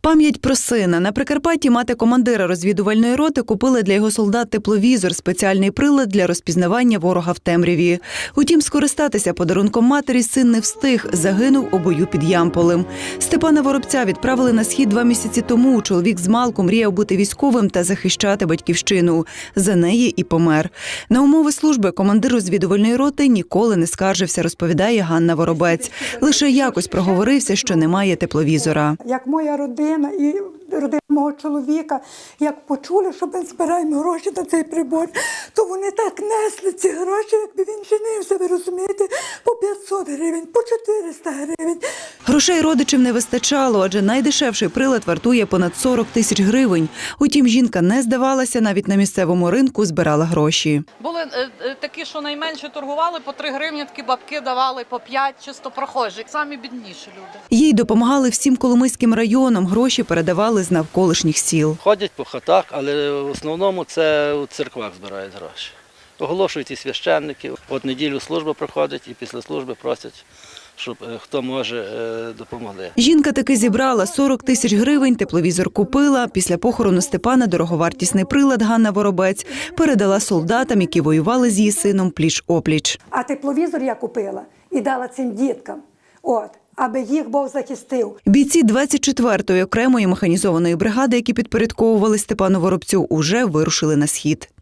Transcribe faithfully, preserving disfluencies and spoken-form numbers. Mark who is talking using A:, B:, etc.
A: Пам'ять про сина. На Прикарпатті мати командира розвідувальної роти купила для його солдат тепловізор – спеціальний прилад для розпізнавання ворога в темряві. Утім, скористатися подарунком матері син не встиг, загинув у бою під Ямполем. Степана Воробця відправили на схід два місяці тому. Чоловік змалку мріяв бути військовим та захищати батьківщину. За неї і помер. На умови служби командир розвідувальної роти ніколи не скаржився, розповідає Ганна Воробець. Лише якось проговорився, що немає тепловізора.
B: Як моя родина і родина мого чоловіка, як почули, що ми збираємо гроші на цей прибор, то вони так несли ці гроші, якби він женився, ви розумієте, по п'ятсот гривень, по чотириста гривень.
A: Грошей родичів не вистачало, адже найдешевший прилад вартує понад сорок тисяч гривень. Утім, жінка не здавалася, навіть на місцевому ринку збирала гроші.
C: Були е, такі, що найменше торгували, по три гривні, такі бабки давали по п'ять, чисто прохожі. Самі бідніші люди.
A: Їй допомагали всім Коломийським районам, гроші передавали з навколишніх сіл.
D: Ходять по хатах, але в основному це у церквах збирають гроші. Оголошують і священники. От неділю служба проходить і після служби просять, щоб хто може, допомогли.
A: Жінка таки зібрала сорок тисяч гривень, тепловізор купила. Після похорону Степана дороговартісний прилад Ганна Воробець передала солдатам, які воювали з її сином пліч-опліч.
B: А тепловізор я купила і дала цим діткам, от, аби їх Бог захистив.
A: Бійці двадцять четвертої окремої механізованої бригади, які підпорядковували Степану Воробцю, уже вирушили на схід.